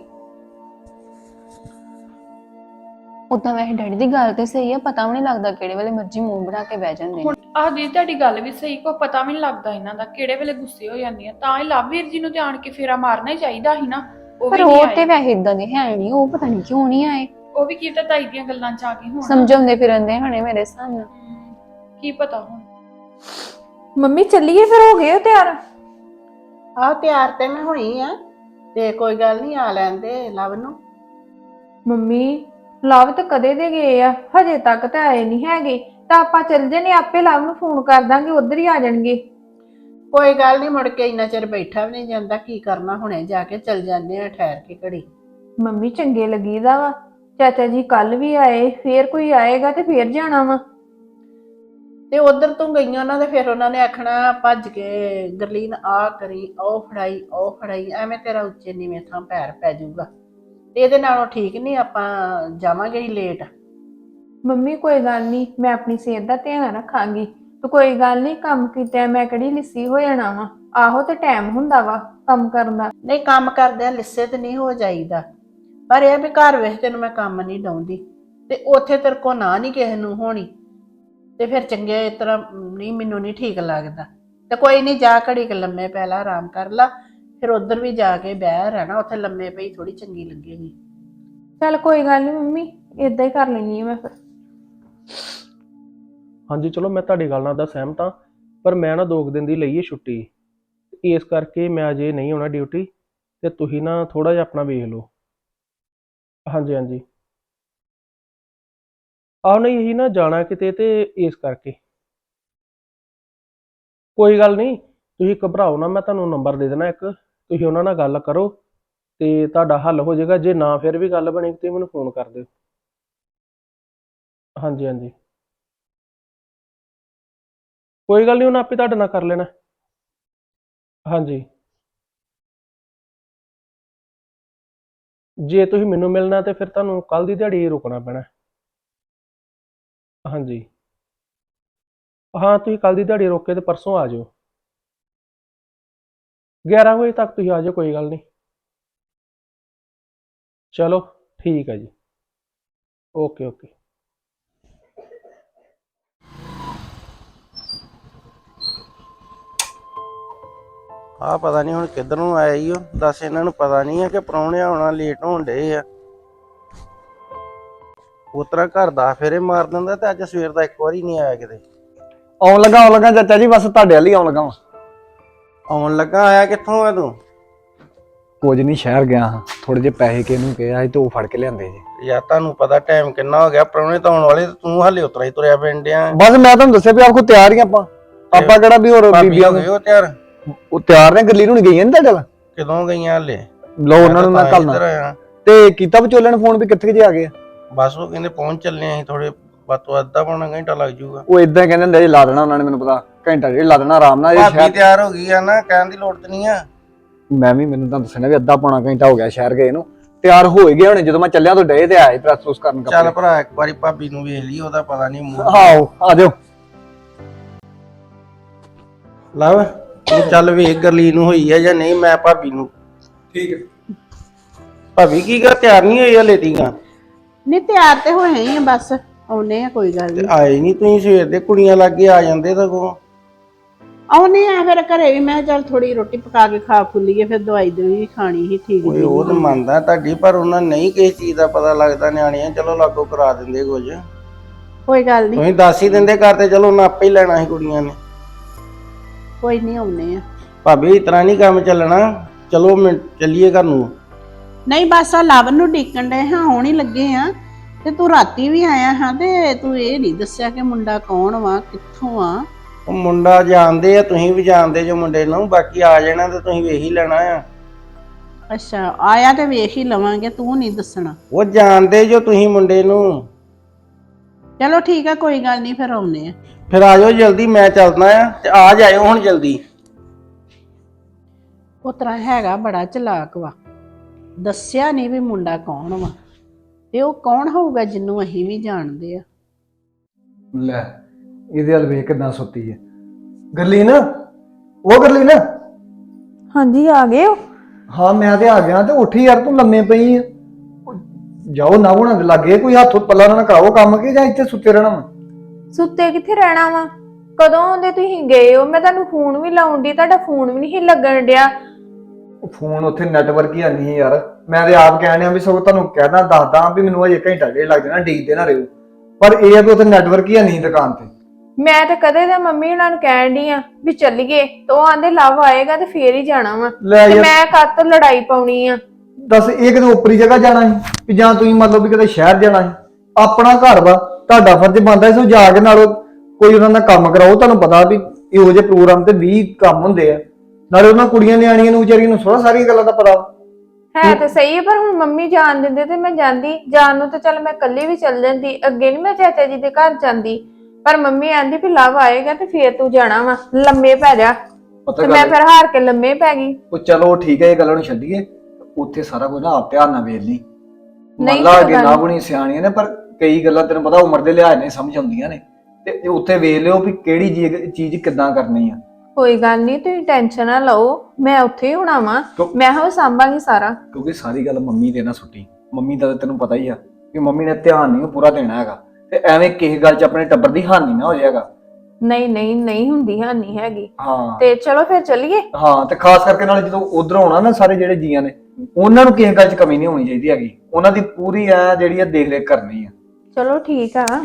ਉਦਾਂ ਵੈਸੇ ਡੈਡੀ ਦੀ ਗੱਲ ਤੇ ਸਹੀ ਆ, ਪਤਾ ਵੀ ਨਹੀਂ ਲੱਗਦਾ ਕਿਹੜੇ ਵੇਲੇ ਮਰਜ਼ੀ ਮੂੰਹ ਬਣਾ ਕੇ ਬਹਿ ਜਾਂਦੇ ਨੇ। ਹੁਣ ਆਹ ਦੀ ਤੁਹਾਡੀ ਗੱਲ ਵੀ ਸਹੀ, ਕੋ ਪਤਾ ਵੀ ਨਹੀਂ ਲੱਗਦਾ ਇਹਨਾਂ ਦਾ ਕਿਹੜੇ ਵੇਲੇ ਗੁੱਸੇ ਹੋ ਜਾਂਦੀਆਂ। ਤਾਂ ਹੀ ਲਵਵੀਰ ਜੀ ਨੂੰ ਤੇ ਆਣ ਕੇ ਫੇਰਾ ਮਾਰਨਾ ਹੀ ਚਾਹੀਦਾ ਸੀ ਨਾ। ਉਹ ਵੀ ਪਰ ਨਹੀਂ ਉਹ ਆਏ। ਤੇ ਵੈਸੇ ਇਦਾਂ ਦੇ ਹੈ ਨਹੀਂ, ਉਹ ਪਤਾ ਨਹੀਂ ਕਿਉਂ ਨਹੀਂ ਆਏ। ਉਹ ਵੀ ਕੀ ਤਾਂ ਤਾਈ ਦੀਆਂ ਗੱਲਾਂ 'ਚ ਆ ਗਏ ਹੁਣ। ਸਮਝਾਉਂਦੇ ਫਿਰਦੇ ਹਣੇ ਮੇਰੇ ਸਾਹਮਣੇ। ਕੀ ਪਤਾ ਹੁਣ। ਮੰਮੀ ਚੱਲੀਏ ਫਿਰ, ਹੋ ਗਏ ਹੋ ਤਿਆਰ? ਆਹ ਤਿਆਰ ਤੇ ਮੈਂ ਹੋਈ ਆ, ਤੇ ਕੋਈ ਗੱਲ ਨਹੀਂ, ਆ ਲੈਂਦੇ ਲਵ ਨੂੰ। ਮੰਮੀ ਲਵ ਤਾਂ ਕਦੇ ਦੇ ਗਏ ਆ, ਹਜੇ ਤੱਕ ਤਾਂ ਆਏ ਨਹੀਂ ਹੈਗੇ। ਤਾਂ ਆਪਾਂ ਚੱਲ ਜਨੇ, ਆਪੇ ਲਵ ਨੂੰ ਫੋਨ ਕਰ ਦਾਂਗੇ, ਉਧਰ ਹੀ ਆ ਜਾਣਗੇ। ਕੋਈ ਗੱਲ ਨਹੀਂ, ਮੁੜ ਕੇ ਇੰਨਾ ਚਿਰ ਬੈਠਾ ਵੀ ਨਹੀਂ ਜਾਂਦਾ। ਕੀ ਕਰਨਾ, ਹੁਣੇ ਜਾ ਕੇ ਚੱਲ ਜਾਂਦੇ ਆ ਠਹਿਰ ਕੇ ਘੜੀ। ਮੰਮੀ ਚੰਗੇ ਲੱਗੀਦਾ ਵਾ। ਚਾਚਾ ਜੀ ਕੱਲ ਵੀ ਆਏ, ਫੇਰ ਕੋਈ ਆਏਗਾ ਤੇ ਫੇਰ ਜਾਣਾ ਵਾ। ਤੇ ਉਧਰ ਤੋਂ ਗਈਆਂ ਉਹਨਾਂ ਦੇ, ਫਿਰ ਉਹਨਾਂ ਨੇ ਆਖਣਾ ਭੱਜ ਕੇ ਗਰਲੀਨ ਆ ਕਰੀ, ਉਹ ਫੜਾਈ, ਉਹ ਫੜਾਈ, ਐਵੇਂ ਤੇਰਾ ਉੱਚੇ ਨੀਵੇਂ ਥਾਂ ਪੈਰ ਪੈ ਜਾਊਗਾ। ਤੇ ਇਹਦੇ ਨਾਲੋਂ ਠੀਕ ਨਹੀਂ ਆਪਾਂ ਜਾਵਾਂਗੇ ਹੀ ਲੇਟ। ਮੰਮੀ ਕੋਈ ਗੱਲ ਨਹੀਂ, ਮੈਂ ਆਪਣੀ ਸਿਹਤ ਦਾ ਧਿਆਨ ਰੱਖਾਂਗੀ। ਤੇ ਕੋਈ ਗੱਲ ਨਹੀਂ, ਕੰਮ ਕੀਤਾ ਮੈਂ ਕਿਹੜੀ ਲਿੱਸੀ ਹੋ ਜਾਣਾ ਵਾ। ਆਹੋ ਤੇ ਟਾਈਮ ਹੁੰਦਾ ਵਾ ਕੰਮ ਕਰਨ ਦਾ। ਨਹੀਂ, ਕੰਮ ਕਰਦਿਆਂ ਲਿੱਸੇ ਤੇ ਨਹੀਂ ਹੋ ਜਾਈਦਾ, ਪਰ ਇਹ ਵੀ ਘਰ ਵਿੱਚ ਤੈਨੂੰ ਮੈਂ ਕੰਮ ਨਹੀਂ ਡਾਉਂਦੀ ਤੇ ਉੱਥੇ ਤੇਰੇ ਕੋ ਨਾ ਨਹੀਂ ਕਿਸੇ ਨੂੰ ਹੋਣੀ, ਤੇ ਫਿਰ ਚੰਗੇ ਇਸ ਤਰ੍ਹਾਂ ਨਹੀਂ, ਮੈਨੂੰ ਨਹੀਂ ਠੀਕ ਲੱਗਦਾ। ਤੇ ਕੋਈ ਨਹੀਂ, ਜਾ ਘੜੀ ਕੁ ਲੰਮੇ ਪੈ ਲਾ, ਆਰਾਮ ਕਰ ਲਾ, ਫਿਰ ਉਧਰ ਵੀ ਜਾ ਕੇ ਬਹਿ ਰਹਿਣਾ, ਉੱਥੇ ਲੰਮੇ ਪਈ ਥੋੜੀ ਚੰਗੀ ਲੱਗੇਗੀ। ਚੱਲ ਕੋਈ ਗੱਲ ਨਹੀਂ ਮੰਮੀ, ਏਦਾਂ ਹੀ ਕਰ ਲੈਣੀ ਆ ਮੈਂ ਫਿਰ। ਹਾਂਜੀ ਚਲੋ, ਮੈਂ ਤੁਹਾਡੀ ਗੱਲ ਨਾਲ ਤਾਂ ਸਹਿਮਤ ਹਾਂ, ਪਰ ਮੈਂ ਨਾ 2 ਦਿਨ ਦੀ ਲਈ ਹੈ ਛੁੱਟੀ, ਇਸ ਕਰਕੇ ਮੈਂ ਅਜੇ ਨਹੀਂ ਆਉਣਾ ਡਿਊਟੀ, ਤੇ ਤੁਸੀਂ ਨਾ ਥੋੜਾ ਜਿਹਾ ਆਪਣਾ ਵੇਖ ਲਓ। ਹਾਂਜੀ ਹਾਂਜੀ, ਆਹ ਨਹੀਂ ਇਹੀ ਨਾ ਜਾਣਾ ਕਿਤੇ, ਤੇ ਇਸ ਕਰਕੇ ਕੋਈ ਗੱਲ ਨਹੀਂ, ਤੁਸੀਂ ਘਬਰਾਓ ਨਾ। ਮੈਂ ਤੁਹਾਨੂੰ ਨੰਬਰ ਦੇ ਦੇਣਾ ਇੱਕ, ਤੁਸੀਂ ਉਹਨਾਂ ਨਾਲ ਗੱਲ ਕਰੋ ਤੇ ਤੁਹਾਡਾ ਹੱਲ ਹੋ ਜਾਏਗਾ। ਜੇ ਨਾ ਫਿਰ ਵੀ ਗੱਲ ਬਣੀ ਤੇ ਮੈਨੂੰ ਫੋਨ ਕਰ ਦਿਓ। ਹਾਂਜੀ ਹਾਂਜੀ, ਕੋਈ ਗੱਲ ਨਹੀਂ, ਉਹਨਾਂ ਆਪੇ ਤੁਹਾਡੇ ਨਾਲ ਕਰ ਲੈਣਾ। ਹਾਂਜੀ, ਜੇ ਤੁਸੀਂ ਮੈਨੂੰ ਮਿਲਣਾ ਤੇ ਫਿਰ ਤੁਹਾਨੂੰ ਕੱਲ ਦੀ ਦਿਹਾੜੀ ਰੁਕਣਾ ਪੈਣਾ। ਹਾਂਜੀ ਹਾਂ, ਤੁਸੀਂ ਕੱਲ ਦੀ ਦਿਹਾੜੀ ਰੋਕ ਕੇ ਤੇ ਪਰਸੋਂ ਆ ਜਾਓ। 11 ਵਜੇ ਤੱਕ ਤੁਸੀਂ ਆ ਜਾਓ, ਕੋਈ ਗੱਲ ਨਹੀਂ। ਚਲੋ ਠੀਕ ਹੈ ਜੀ, ਓਕੇ ਓਕੇ। ਆ ਪਤਾ ਨਹੀਂ ਹੁਣ ਕਿੱਧਰ ਨੂੰ ਆਇਆ ਈ ਉਹ। ਦੱਸ ਇਹਨਾਂ ਨੂੰ ਪਤਾ ਨਹੀਂ ਆ ਕਿ ਪ੍ਰਾਹੁਣੇ ਆਉਣਾ ਲੇਟ ਹੋਣ ਡੇ ਆ। ਉਤਰਾ ਘਰ ਦਾ ਫੇਰੇ ਮਾਰ ਦਿੰਦਾ ਤੇ ਅੱਜ ਸਵੇਰ ਦਾ ਇੱਕ ਵਾਰੀ ਨਹੀਂ ਆਇਆ ਕਿਤੇ। ਆਉਣ ਲੱਗਾ ਚਾਚਾ ਜੀ, ਬਸ ਤੁਹਾਡੇ ਵੱਲ ਹੀ ਆਉਣ ਲੱਗਾ ਵਾਂ। ਆਉਣ ਲੱਗਾ, ਆਇਆ ਕਿੱਥੋਂ ਆ ਤੂੰ? ਕੁਝ ਨਹੀਂ, ਸ਼ਹਿਰ ਗਿਆ ਹਾਂ, ਥੋੜੇ ਜਿਹੇ ਪੈਸੇ ਕਿਹਨੂੰ ਕਿਹਾ ਸੀ ਤੇ ਉਹ ਫੜ ਕੇ ਲਿਆਂਦੇ ਜੀ। ਯਾਰ ਤੁਹਾਨੂੰ ਪਤਾ ਟਾਈਮ ਕਿੰਨਾ ਹੋ ਗਿਆ, ਪ੍ਰਾਹੁਣੇ ਤਾਂ ਆਉਣ ਵਾਲੇ ਤੇ ਤੂੰ ਹਾਲੇ ਉਤਰਾ ਹੀ ਤੁਰਿਆ ਫਿਰਨ ਡਿਆ। ਬਸ ਮੈਂ ਤੁਹਾਨੂੰ ਦੱਸਿਆ ਵੀ ਆਪ ਕੋ ਤਿਆਰ ਹੀ ਆਪਾਂ ਕਿਹੜਾ ਵੀ ਹੋਰ ਭਾਬੀ ਬੀਬੀਆਂ ਹੋ ਗਏ ਉਹ ਤਿਆਰ? ਉਹ ਤਿਆਰ ਨੇ, ਗੱਲੀ ਨੂੰ ਗਈਆਂ ਨੀ ਤੁਹਾਡੇ ਵੱਲ? ਕਦੋਂ ਗਈਆਂ ਹਾਲੇ? ਲਓ ਉਹਨਾਂ ਨੂੰ ਮੈਂ ਤਾਂ ਇੱਧਰ ਕੱਲਣਾ ਆਇਆ। ਤੇ ਕੀਤਾ ਵਿਚੋਲੇ ਨੇ ਫੋਨ ਵੀ ਕਿੱਥੇ ਜੇ ਆ ਗਏ ਆ? ਬਸ ਉਹ ਕਹਿੰਦੇ ਪਹੁੰਚ ਚੱਲੇ ਅਸੀਂ, ਥੋੜੇ ਬਾਤੋਂ ਅੱਧਾ ਪੌਣਾ ਘੰਟਾ ਲੱਗ ਜਾਊਗਾ। ਉਹ ਇਦਾਂ ਕਹਿੰਦੇ ਹੁੰਦੇ ਜੀ, ਲਾ ਦੇਣਾ ਉਹਨਾਂ ਨੇ, ਮੈਨੂੰ ਪਤਾ ਘੰਟਾ ਡੇਢ ਲਾ ਦੇਣਾ ਆਰਾਮ ਨਾਲ। ਇਹ ਭਾਬੀ ਸ਼ਹਿਰ ਤਿਆਰ ਹੋ ਗਈ ਆ ਨਾ, ਕਹਿਣ ਦੀ ਲੋੜ ਤੇ ਨਹੀਂ ਆ। ਮੈਨੂੰ ਤਾਂ ਦੱਸਣਾ ਵੀ ਅੱਧਾ ਪੌਣਾ ਘੰਟਾ ਹੋ ਗਿਆ ਸ਼ਹਿਰ ਗਏ ਨੂੰ, ਤਿਆਰ ਹੋ ਹੀ ਗਏ ਹੋਣੇ। ਜਦੋਂ ਮੈਂ ਚੱਲਿਆ ਤੋਂ ਡੇ ਤੇ ਆਏ ਪ੍ਰੈਸ ਪ੍ਰੂਸ ਕਰਨ। ਚੱਲ ਭਰਾ ਇੱਕ ਵਾਰੀ ਭਾਬੀ ਨੂੰ ਵੇਖ ਲਈ, ਉਹਦਾ ਪਤਾ ਨਹੀਂ ਮੂੰਹ। ਆਓ ਆ ਜਾਓ। ਲਵ ਤੂੰ ਚੱਲ ਵੇਖ ਗਰਲੀ ਨੂੰ ਹੋਈ ਆ ਜਾਂ ਨਹੀਂ, ਮੈਂ ਭਾਬੀ ਨੂੰ। ਠੀਕ ਹੈ। ਭਾਬੀ ਕੀ ਕਰ ਤਿਆਰ ਨਹੀਂ ਹੋਈ ਹਲੇ ਤੀਕਾਂ? ਨਹੀਂ ਤਿਆਰ ਤੇ ਹੋਏ ਹੀ ਆ, ਬਸ ਆਉਨੇ ਆ, ਕੋਈ ਗੱਲ ਨਹੀਂ। ਆਏ ਨਹੀਂ ਤੁਸੀਂ ਸਵੇਰ ਦੇ, ਕੁੜੀਆਂ ਲੱਗੇ ਆ ਜਾਂਦੇ ਸਗੋਂ। ਆਉਨੇ ਆ ਫਿਰ ਘਰੇ ਵੀ, ਮੈਂ ਚੱਲ ਥੋੜੀ ਰੋਟੀ ਪਕਾ ਕੇ ਖਾ ਖੁੱਲੀਏ, ਫਿਰ ਦਵਾਈ ਵੀ ਖਾਣੀ ਸੀ ਠੀਕ ਓਏ ਜੀ। ਉਹ ਤਾਂ ਮੰਨਦਾ ਤੁਹਾਡੀ, ਪਰ ਉਹਨਾਂ ਨਹੀਂ ਕਿਸੇ ਚੀਜ਼ ਦਾ ਪਤਾ ਲੱਗਦਾ ਨਿਆਣਿਆਂ। ਚਲੋ ਲਾਗੋ ਕਰਾ ਦਿੰਦੇ ਕੁਝ, ਕੋਈ ਗੱਲ ਨਹੀਂ, ਤੁਸੀਂ ਦੱਸ ਹੀ ਦਿੰਦੇ ਘਰ ਤੇ, ਚਲੋ ਉਹਨਾਂ ਆਪੇ ਹੀ ਲੈਣਾ ਸੀ ਕੁੜੀਆਂ ਨੇ। ਕੋਈ ਨਹੀਂ ਆਉਨੇ ਆ। ਭਾਬੀ ਇਸ ਤਰ੍ਹਾਂ ਨਹੀਂ ਕੰਮ ਚੱਲਣਾ, ਚਲੋ ਮੈਂ ਚੱਲੀਏ ਘਰ ਨੂੰ। ਨਹੀਂ ਬਸ ਆ ਲਵ ਨੂੰ ਡੀਕਣ ਡਏ ਹਾਂ, ਆਉਣ ਹੀ ਲੱਗੇ ਆ। ਤੇ ਤੂੰ ਰਾਤੀ ਵੀ ਆਇਆ ਹਾਂ ਤੇ ਤੂੰ ਇਹ ਨਹੀਂ ਦੱਸਿਆ ਕਿ ਮੁੰਡਾ ਕੌਣ ਵਾ, ਕਿੱਥੋਂ ਆ। ਉਹ ਮੁੰਡਾ ਜਾਣਦੇ ਆ, ਤੁਸੀਂ ਵੀ ਜਾਣਦੇ ਜੋ ਮੁੰਡੇ ਨੂੰ, ਬਾਕੀ ਆ ਜਾਣਾ ਤੇ ਤੁਸੀਂ ਵੇਖ ਹੀ ਲੈਣਾ ਆ। ਅੱਛਾ ਆਇਆ ਤੇ ਵੇਖ ਹੀ ਲਵਾਂਗੇ, ਤੂੰ ਨਹੀਂ ਦੱਸਣਾ। ਉਹ ਜਾਣਦੇ ਜੋ ਤੁਸੀਂ ਮੁੰਡੇ ਨੂੰ। ਚਲੋ ਠੀਕ ਆ, ਕੋਈ ਗੱਲ ਨਹੀਂ, ਫਿਰ ਆਉਨੇ ਆ। ਫਿਰ ਆ ਜਾਓ ਜਲਦੀ, ਮੈਂ ਚੱਲਦਾ ਆ ਤੇ ਆ ਜਾਇਓ ਹੁਣ ਜਲਦੀ। ਉਹ ਤਰ੍ਹਾਂ ਹੈਗਾ ਬੜਾ ਚਲਾਕ ਵਾ, ਦੱਸਿਆ ਨਹੀਂ ਵੀ ਮੁੰਡਾ ਕੌਣ ਵਾ। ਤੇ ਉਹ ਕੌਣ ਹੋਊਗਾ ਜਿਹਨੂੰ ਅਸੀਂ ਵੀ ਜਾਣਦੇ ਆ। ਲੈ ਇਹਦੇ ਵੱਲ ਵੇਖ ਕਿਦਾਂ ਸੁੱਤੀ ਹੈ ਗੱਲੀ ਨਾ। ਉਹ ਗੱਲੀ ਨਾ। ਹਾਂਜੀ ਆ ਗਏ ਹੋ? ਹਾਂ ਮੈਂ ਤੇ ਆ ਗਿਆ। ਤੇ ਉੱਠੀ ਯਾਰ, ਤੂੰ ਲੰਮੇ ਪਈ ਆ। ਜਾਓ ਨਾ ਉਹਨਾਂ ਦੇ ਲੱਗੇ, ਕੋਈ ਹੱਥ ਪੱਲਾ ਨਾ ਕਰਾਓ ਕੰਮ, ਕਿ ਜਾਂ ਇੱਥੇ ਸੁੱਤੇ ਰਹਿਣਾ ਵਾ? ਸੁੱਤੇ ਕਿੱਥੇ ਰਹਿਣਾ ਵਾ? ਕਦੋਂ ਆਉਂਦੇ ਤੁਸੀਂ ਗਏ ਹੋ? ਮੈਂ ਤੁਹਾਨੂੰ ਫੋਨ ਵੀ ਲਾਉਣ ਦੀ, ਤੁਹਾਡਾ ਫੋਨ ਵੀ ਨਹੀਂ ਲੱਗਣ ਡਿਆ। ਫੋਨ ਉੱਥੇ ਨੈਟਵਰਕ ਹੀ ਨਹੀਂ ਯਾਰ। ਮੈਂ ਤੇ ਆਪ ਕਹਿਣ ਡਿਆ ਵੀ ਸਗੋਂ ਤੁਹਾਨੂੰ ਕਹਿਣਾ ਦੱਸਦਾ ਵੀ ਮੈਨੂੰ ਅਜੇ ਘੰਟਾ ਡੇਢ ਲੱਗ ਜਾਣਾ, ਡੀਕਦੇ ਨਾ ਰਹੋ। ਪਰ ਇਹ ਆ ਵੀ ਉੱਥੇ ਨੈਟਵਰਕ ਹੀ ਨਹੀਂ ਦੁਕਾਨ ਤੇ। ਮੈਂ ਤਾਂ ਕਦੇ ਦਾ ਮੰਮੀ ਉਹਨਾਂ ਨੂੰ ਕਹਿਣ ਡਈ ਆ ਵੀ ਚੱਲੀਏ, ਤੇ ਉਹ ਆਂਦੇ ਲਵ ਆਏਗਾ ਤੇ ਫੇਰ ਹੀ ਜਾਣਾ ਵਾ। ਲੈ ਤੇ ਯਾਰ ਮੈਂ ਕੱਤ ਲੜਾਈ ਪਾਉਣੀ ਆ। ਦੱਸ, ਇਹ ਕਿਤੇ ਉੱਪਰੀ ਜਗ੍ਹਾ ਜਾਣਾ ਸੀ ਵੀ ਜਾਂ ਤੁਸੀਂ ਮਤਲਬ ਵੀ ਕਿਤੇ ਸ਼ਹਿਰ ਜਾਣਾ ਸੀ? ਆਪਣਾ ਘਰ ਵਾ, ਤੁਹਾਡਾ ਫਰਜ਼ ਬਣਦਾ ਸੋ ਜਾ ਕੇ ਨਾਲ ਕੋਈ ਉਹਨਾਂ ਦਾ ਕੰਮ ਕਰਾਓ। ਤੁਹਾਨੂੰ ਪਤਾ ਵੀ ਇਹੋ ਜਿਹੇ ਪ੍ਰੋਗਰਾਮ ਤੇ 20 ਕੰਮ ਹੁੰਦੇ ਆ, ਨਾਲੇ ਉਹਨਾਂ ਕੁੜੀਆਂ ਨਿਆਣੀਆਂ ਨੂੰ ਵਿਚਾਰੀਆਂ ਨੂੰ ਥੋੜਾ ਸਾਰੀਆਂ ਗੱਲਾਂ ਦਾ ਪਤਾ ਵਾ। ਹੈ ਤੇ ਸਹੀ ਹੈ, ਪਰ ਹੁਣ ਮੰਮੀ ਜਾਣ ਦਿੰਦੇ ਤੇ ਮੈਂ ਜਾਂਦੀ। ਜਾਣ ਨੂੰ ਤਾਂ ਚੱਲ ਮੈਂ ਇਕੱਲੀ ਵੀ ਚੱਲ ਜਾਂਦੀ, ਅੱਗੇ ਨੀ ਮੈਂ ਚਾਚਾ ਜੀ ਦੇ ਘਰ ਜਾਂਦੀ। ਪਰ ਮੰਮੀ ਆਂਦੀ ਵੀ ਲਵ ਆਏਗਾ ਤੇ ਫੇਰ ਤੂੰ ਜਾਣਾ ਵਾ, ਲੰਮੇ ਪੈ ਜਾ। ਤੇ ਮੈਂ ਫਿਰ ਹਾਰ ਕੇ ਲੰਮੇ ਪੈ ਗਈ। ਉਹ ਚਲੋ ਠੀਕ ਹੈ, ਇਹ ਗੱਲਾਂ ਨੂੰ ਛੱਡੀਏ। ਉੱਥੇ ਸਾਰਾ ਕੁਝ ਨਾ ਆਪ ਧਿਆਨ ਨਾਲ ਵੇਖ ਲਈ। ਨਹੀਂ ਮੱਲਾ ਅੱਗੇ ਨਾ ਬਣੀ ਸਿਆਣੀਆਂ ਨੇ, ਪਰ ਕਈ ਗੱਲਾਂ ਤੈਨੂੰ ਪਤਾ ਉਮਰ ਦੇ ਲਿਹਾਜ਼ ਨਾਲ ਸਮਝ ਆਉਂਦੀਆਂ ਨੇ। ਤੇ ਉੱਥੇ ਵੇਖ ਲਿਓ ਵੀ ਕਿਹੜੀ ਚੀਜ਼ ਕਿੱਦਾਂ ਕਰਨੀ ਆ। ਕੋਈ ਗੱਲ ਨਹੀਂ, ਤੁਸੀਂ ਟੈਨਸ਼ਨ ਨਾ ਲਓ, ਮੈਂ ਉੱਥੇ ਹੀ ਹੋਣਾ ਵਾ। ਮੈਂ ਹੋ ਸੰਭਾਂਗੀ ਸਾਰਾ। ਕਿਉਂਕਿ ਸਾਰੀ ਗੱਲ ਮੰਮੀ ਤੇ ਨਾ ਸੁੱਟੀ। ਮੰਮੀ ਦਾ ਤੈਨੂੰ ਪਤਾ ਹੀ ਆ ਕਿ ਮੰਮੀ ਨੇ ਧਿਆਨ ਨਹੀਂ ਪੂਰਾ ਦੇਣਾ ਹੈਗਾ, ਤੇ ਐਵੇਂ ਕਿਸੇ ਗੱਲ 'ਚ ਆਪਣੇ ਟੱਬਰ ਦੀ ਹਾਨੀ ਨਾ ਹੋ ਜਾਏਗਾ। ਨਹੀਂ ਨਹੀਂ ਨਹੀਂ ਹੁੰਦੀ, ਹਾਨੀ ਹੈਗੀ। ਹਾਂ ਤੇ ਚਲੋ ਫਿਰ ਚੱਲੀਏ। ਹਾਂ, ਤੇ ਖਾਸ ਕਰਕੇ ਨਾਲ ਜਦੋਂ ਉਧਰ ਆਉਣਾ ਨਾ, ਸਾਰੇ ਜਿਹੜੇ ਜੀਆਂ ਨੇ ਉਹਨਾਂ ਨੂੰ ਕਿਸੇ ਗੱਲ 'ਚ ਕਮੀ ਨਹੀਂ ਹੋਣੀ ਚਾਹੀਦੀ ਹੈਗੀ। ਉਹਨਾਂ ਦੀ ਪੂਰੀ ਐ ਜਿਹੜੀ ਆ ਦੇਖ ਰੇਖ ਕਰਨੀ ਆ। ਚਲੋ ਠੀਕ ਆ।